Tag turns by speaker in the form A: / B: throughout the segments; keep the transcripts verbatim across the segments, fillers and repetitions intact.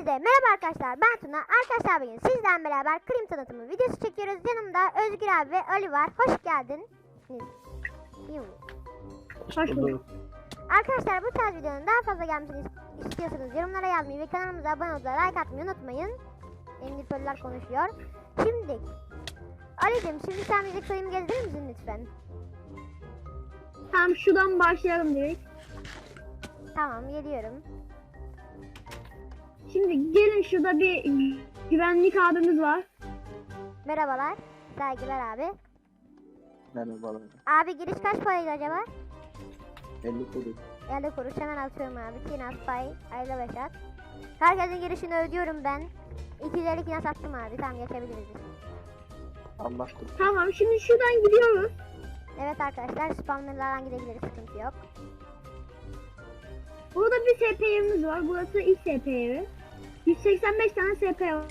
A: merhaba arkadaşlar, ben Tuna. Arkadaşlar bugün sizden beraber Krim tanıtımı videosu çekiyoruz. Yanımda Özgür abi ve Ali var. Hoş geldin.
B: Hoş bulduk.
A: Arkadaşlar bu tarz videonun daha fazla gelmesini istiyorsanız yorumlara yazmayı ve kanalımıza abone olup like atmayı unutmayın. Emniförler konuşuyor. Şimdi Ali'cim, şimdi sen bize köyümü gezdirir misin lütfen?
B: Tamam, şuradan başlayalım direkt.
A: Tamam, geliyorum.
B: Şimdi gelin, şurada bir güvenlik abimiz var.
A: Merhabalar. Saygılar abi.
C: Merhabalar.
A: Abi giriş kaç paraydı acaba?
C: elli kuruş.
A: elli kuruş, hemen atıyorum abi. Kinas pay, ayla beşat. Herkesin girişini ödüyorum ben. iki yüz elli kinas attım abi. Tamam, geçebiliriz.
C: Anlaştık.
B: Tamam, şimdi şuradan gidiyoruz.
A: Evet arkadaşlar, spawnerlardan gidebiliriz, sıkıntı yok.
B: Burada bir S P yerimiz var. Burası ilk S P yeri. yüz seksen beş tane S P var.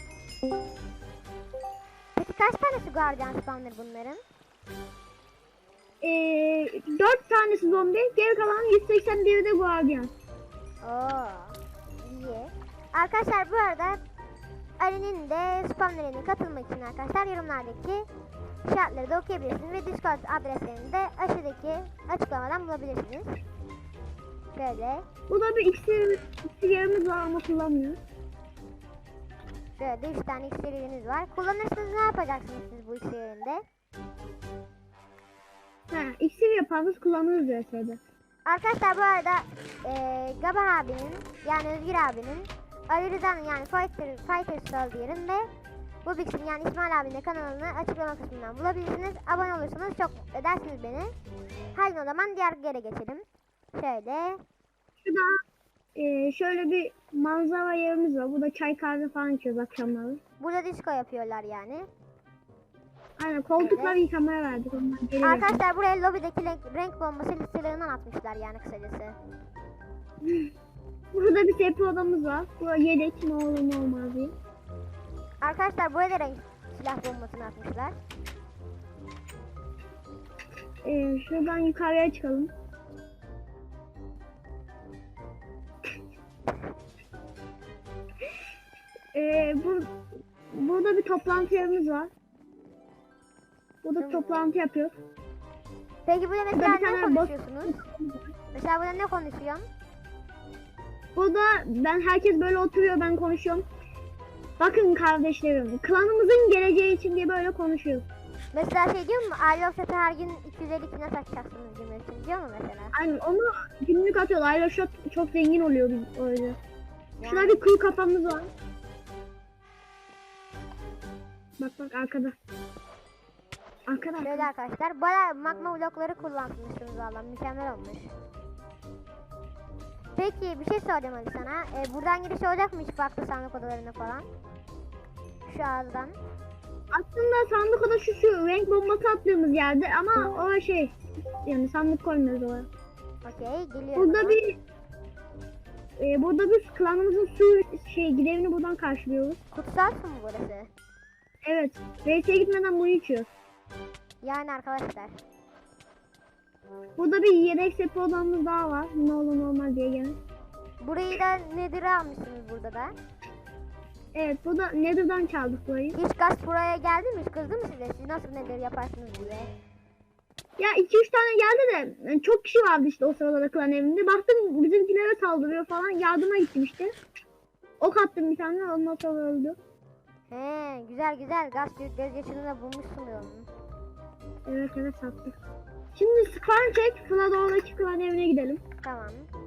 A: Peki kaç tanesi guardian spawner bunların?
B: Ee, dört tanesi zombi, geri kalan yüz seksen biri de guardian.
A: Oo, iyi. Arkadaşlar bu arada Ali'nin de spawnerine katılmak için arkadaşlar yorumlardaki şartları da okuyabilirsiniz ve Discord adreslerini de aşağıdaki açıklamadan bulabilirsiniz. Şöyle.
B: Burada bir iksir, iksir yerimiz var ama kullanmıyoruz.
A: Şöyle üç tane iksiriniz var. Kullanırsanız ne yapacaksınız siz bu iksirinde?
B: Ha, iksir yaparız, kullanırız V S'de.
A: Arkadaşlar bu arada ee, Gaba abinin, yani Özgür abinin, Ali Rıza'nın yani Fighter, Fighter Style diyelim ve bu Bix'in yani İsmail abinin de kanalını açıklama kısmından bulabilirsiniz. Abone olursanız çok mutlu edersiniz beni. Haydi o zaman diğer yere geçelim. Şöyle.
B: Şurada e, şöyle bir manzara yerimiz var. Burada çay kahve falan içiyoruz akşamları.
A: Burada disco yapıyorlar yani.
B: Aynen, koltukları
A: Evet.
B: yıkamaya verdik. Onlar geliyor.
A: Arkadaşlar buraya lobideki renk, renk bombası silahından atmışlar yani kısacası.
B: Burada bir S P odamız var. Bu yedek, ne olur ne olmaz diye.
A: Arkadaşlar buraya da renk silah bombasını atmışlar.
B: Ee, şuradan yukarıya çıkalım. ee, bu, burada bir toplantı yerimiz var. Burada
A: Tamam.
B: toplantı yapıyoruz.
A: Peki burada mesela
B: bir tane
A: ne
B: boss-
A: konuşuyorsunuz? Mesela burada ne konuşuyorsun?
B: Burada ben, herkes böyle oturuyor, ben konuşuyorum. Bakın kardeşlerim, klanımızın geleceği için diye böyle konuşuyoruz.
A: Mesela şey diyor mu? Aile Offset'e her gün iki yüz elli kine satacaksınız cümlesini diyor mu mesela?
B: Aynen, onu günlük atıyorlar. Ayla çok, çok zengin oluyor biz öyle.
A: Yani.
B: Şurada bir kuyu kafamız var. Bak bak arkada. Arkada.
A: Şöyle
B: arkada.
A: arkadaşlar, bayağı magma blokları kullanmışsınız valla, mükemmel olmuş. Peki bir şey soracağım Ali sana. Ee, buradan giriş olacak mı hiç farklı sandık odalarına falan? Şu ağızdan.
B: Aslında sandık oda şu şu renk bombası attığımız yerde ama o şey, yani sandık koymuyoruz oraya.
A: Okey, geliyorum.
B: Burada
A: ama.
B: bir e, burada biz klanımızın su şey gidevini buradan karşılıyoruz.
A: Kutsal su mu burası?
B: Evet. V S'ye gitmeden bunu içiyoruz.
A: Yani arkadaşlar.
B: Burada bir yedek sepe odamız daha var. Ne olur normal diye gene.
A: Burayı da nedir almışsınız burada da?
B: Evet, burada Nether'dan çaldık burayı.
A: Hiç gaz buraya geldi mi? Hiç kızdı mı size? Siz nasıl nedir yaparsınız diye?
B: Ya iki üç tane geldi de yani çok kişi vardı işte o sırada da klan evinde. Baktım bizimkilere saldırıyor falan. Yardıma gittim işte. Ok attım bir tane, ondan sonra öldü.
A: He, güzel güzel, gaz gözyaşını da bulmuşsun onun.
B: Evet evet, sattı. Şimdi skarn çek. Flador'daki klan evine gidelim.
A: Tamam.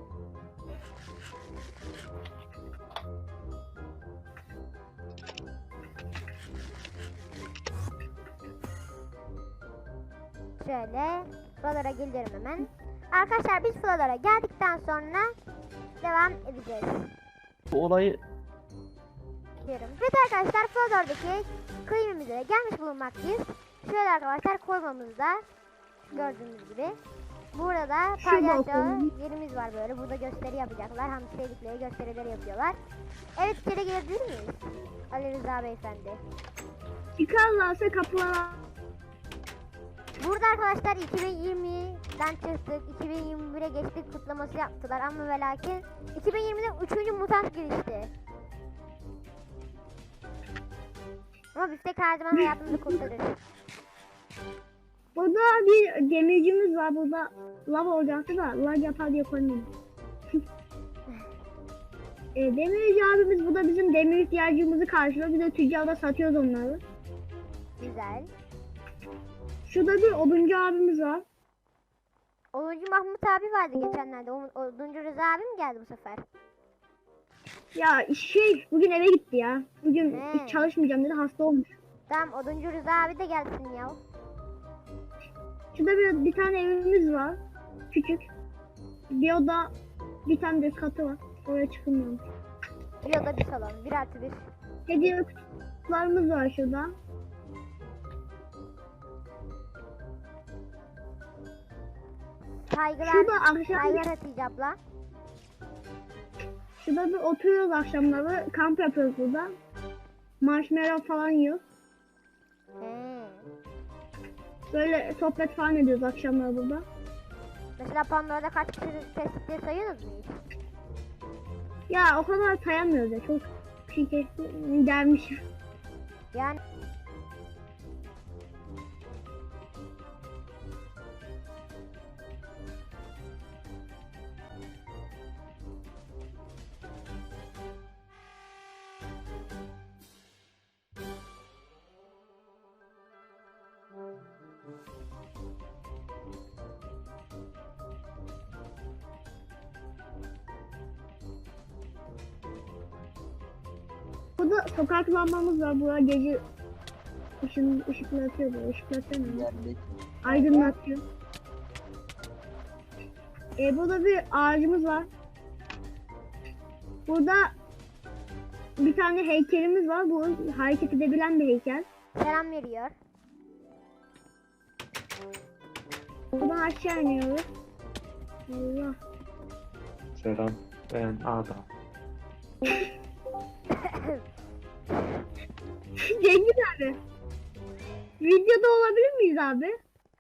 A: Şöyle Flolara geliyorum hemen. Arkadaşlar biz Flolara geldikten sonra devam edeceğiz.
C: Bu olayı
A: Diyorum. Evet arkadaşlar, Flolar'daki kıyımımıza da gelmiş bulunmaktayız. Şöyle arkadaşlar, koymamızda gördüğünüz gibi. Burada
B: Şu
A: palyaço
B: balkonun.
A: yerimiz var böyle. Burada gösteri yapacaklar. Hem sevdikleri gösterileri yapıyorlar. Evet, içeri girebilir miyiz? Ali Rıza beyefendi.
B: Çıkarlarsa kapılara.
A: Burada arkadaşlar iki bin yirmiden çıktık, iki bin yirmi bire geçtik kutlaması yaptılar ama ve lakin iki bin yirmide üçüncü mutant girişti. Ama biftek her zaman hayatımızı kurtarır.
B: Burada bir demircimiz var. Burada lav olacaktı da lag yapar diye koymadım. e, demirci abimiz bu da bizim demir ihtiyacımızı karşılıyor. Biz de tüccarda satıyoruz onları.
A: Güzel.
B: Şurada bir oduncu abimiz var.
A: Onuncu Mahmut abi vardı geçenlerde. O, Oduncu Rıza abi mi geldi bu sefer?
B: Ya şey bugün eve gitti ya. Bugün
A: He.
B: hiç çalışmayacağım dedi, hasta olmuş.
A: Tamam, Oduncu Rıza abi de gelsin ya.
B: Şurada bir, bir tane evimiz var. Küçük. Bir oda, bir tane de katı var. Oraya çıkılmıyormuş.
A: Bir oda bir salon. Bir artı bir.
B: Hediye kutularımız var şurada.
A: Saygılar.
B: Şurada akşam
A: Saygılar Hatice abla.
B: şurada bir oturuyoruz akşamları. Kamp yapıyoruz burada. Marshmallow falan yiyoruz.
A: He.
B: Böyle sohbet falan ediyoruz akşamları burada.
A: Mesela Pandora'da kaç kişi kestikleri sayıyorsunuz mu hiç?
B: Ya o kadar sayamıyoruz ya. Çok şey kesti, gelmiş.
A: Yani
B: Burada sokak lambamız var. Burada gece ışın, ışıklatıyor böyle. Işıklatıyor mu?
C: Geldik.
B: Aydınlatıyor. E, burada bir ağacımız var. Burada bir tane heykelimiz var. Bu hareket edebilen bir heykel.
A: selam veriyor.
B: Buradan aşağı iniyoruz. Allah.
D: Selam, ben Adam.
B: Cengiz abi. Videoda olabilir miyiz abi?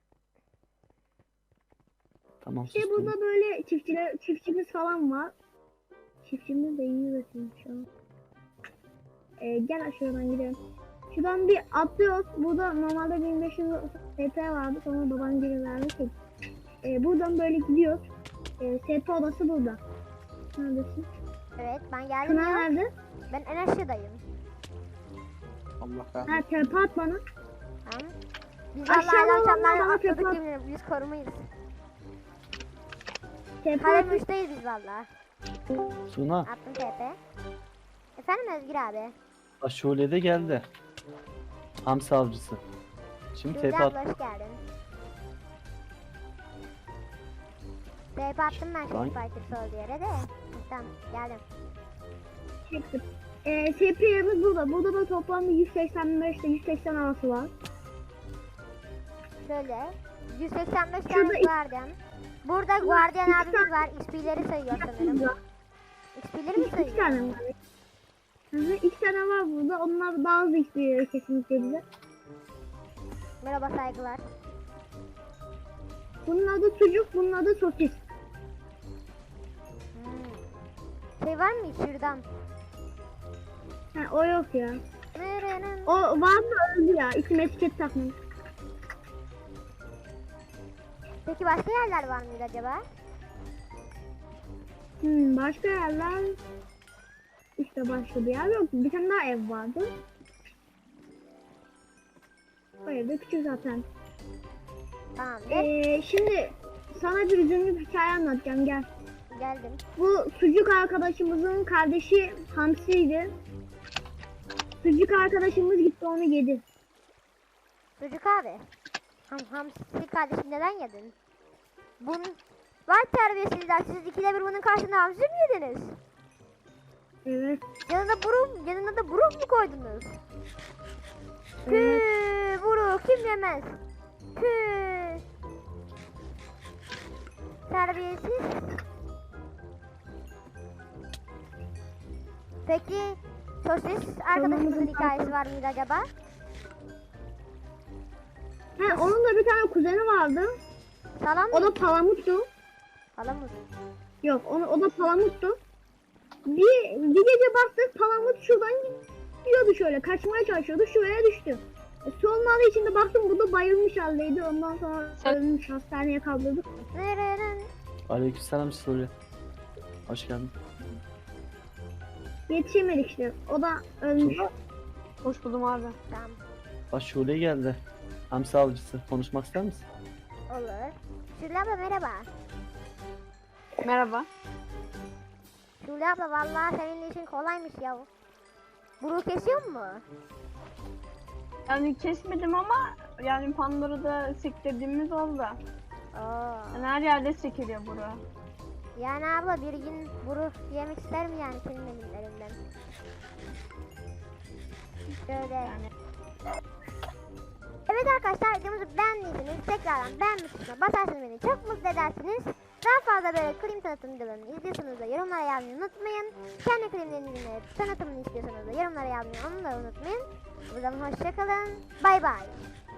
D: Tamam,
B: İşte
D: sustum.
B: burada böyle çiftçiler, çiftçimiz falan var. Çiftçimiz de iyi üretiyor şu an. Ee, gel şuradan gidelim. Şuradan bir atlıyoruz. Burada normalde bin beş yüz S P vardı. Sonra babam geri verdi. Ee, buradan böyle gidiyoruz. Ee, S P odası burada. Neredesin?
A: Evet, ben geldim
B: Tuna
A: ya.
B: nerede?
A: Ben en aşağıdayım.
C: Allah
B: Ha
C: kahretsin.
B: tepe at bana.
A: Tamam. Biz
B: Aşağıda
A: Allah'la
B: olanlar
A: akşamlar
B: bana
A: atladık
B: tekrar-
A: yemin ederim. Biz korumayız.
B: Tepe
A: Kalem
B: at.
A: üçteyiz biz valla.
D: Suna,
A: Attım T P. Efendim Özgür abi.
D: Aşule'de geldi. Hamsi avcısı. Şimdi
A: Sude
D: tepe at.
A: abla hoş geldin. T P attım ben
D: Lan.
A: şimdi Fighter Soul yere de. Tamam geldim.
B: Çektim. Ee, S P yerimiz burada. Burada da toplamda yüz seksen beş ile yüz seksen altı var.
A: Şöyle. yüz seksen beş
B: Şurada
A: tane
B: iki-
A: Guardian. Burada Guardian
B: iki
A: abimiz
B: tane-
A: var. X P'leri sayıyor sanırım.
B: Burada.
A: X P'leri mi
B: İki
A: sayıyor?
B: tane var. Hı hı, iki tane var burada. Onlar daha hızlı istiyor kesinlikle bize.
A: Merhaba saygılar.
B: Bunun adı sucuk, bunun adı sosis.
A: Hmm. Şey var mı hiç şuradan?
B: Ha, o yok ya.
A: Nırının.
B: O var mı öldü ya. İsim etiket takmış.
A: Peki başka yerler var mıydı acaba?
B: Hmm, başka yerler... İşte başka bir yer yok. Bir tane daha ev vardı. O ev de küçük zaten.
A: Tamamdır.
B: Ee, şimdi sana bir üzümlü bir hikaye anlatacağım, gel.
A: Geldim.
B: Bu sucuk arkadaşımızın kardeşi Hamsi'ydi. Sucuk arkadaşımız gitti onu yedi.
A: Çocuk abi. Ham hamsi kardeşim neden yedin? Bunun var terbiyesizler. Siz ikide bir bunun karşısında hamsi mi yediniz?
B: Evet.
A: Yanına burun, yanına da burun mu koydunuz? Püh,
B: Evet.
A: buru kim yemez? Püh. Terbiyesiz. Peki sosis arkadaşımızın hikayesi var mıydı acaba?
B: He, onun da bir tane kuzeni vardı.
A: Salam
B: O
A: mı?
B: da palamuttu.
A: Salam mı?
B: Yok, onu, o da palamuttu. Bir, bir gece baktık palamut şuradan Gidiyordu şöyle, kaçmaya çalışıyordu, şuraya düştü. E, sonları içinde baktım bu da bayılmış haldeydi. Ondan sonra
E: Sen-
B: ölmüş, hastaneye kaldırdık.
A: Nereden?
D: Aleykümselam Suri. Hoş geldin.
B: Yetişemedik işte. O da ölmüş.
D: Suna.
E: Hoş buldum abi.
A: Tamam.
D: Bak Şule geldi. Hamsi avcısı. Konuşmak ister misin?
A: Olur. Şule abla merhaba.
E: Merhaba.
A: Şule abla vallahi senin işin kolaymış ya. Bunu kesiyor mu?
E: Yani kesmedim ama yani Pandora'da sektirdiğimiz oldu.
A: Oo.
E: Yani her yerde sekiliyor buru.
A: Yani abla bir gün bunu yemek isterim yani senin elimlerinden. Şöyle.
E: Yani
A: Evet arkadaşlar videomuzu beğendiyseniz tekrardan beğenme tuşuna basarsanız beni çok mutlu edersiniz. Daha fazla böyle klim tanıtım videolarını izliyorsanız da yorumlara yazmayı unutmayın. Kendi klimlerinizin tanıtımını istiyorsanız da yorumlara yazmayı onu da unutmayın. O zaman hoşçakalın. Bay bay.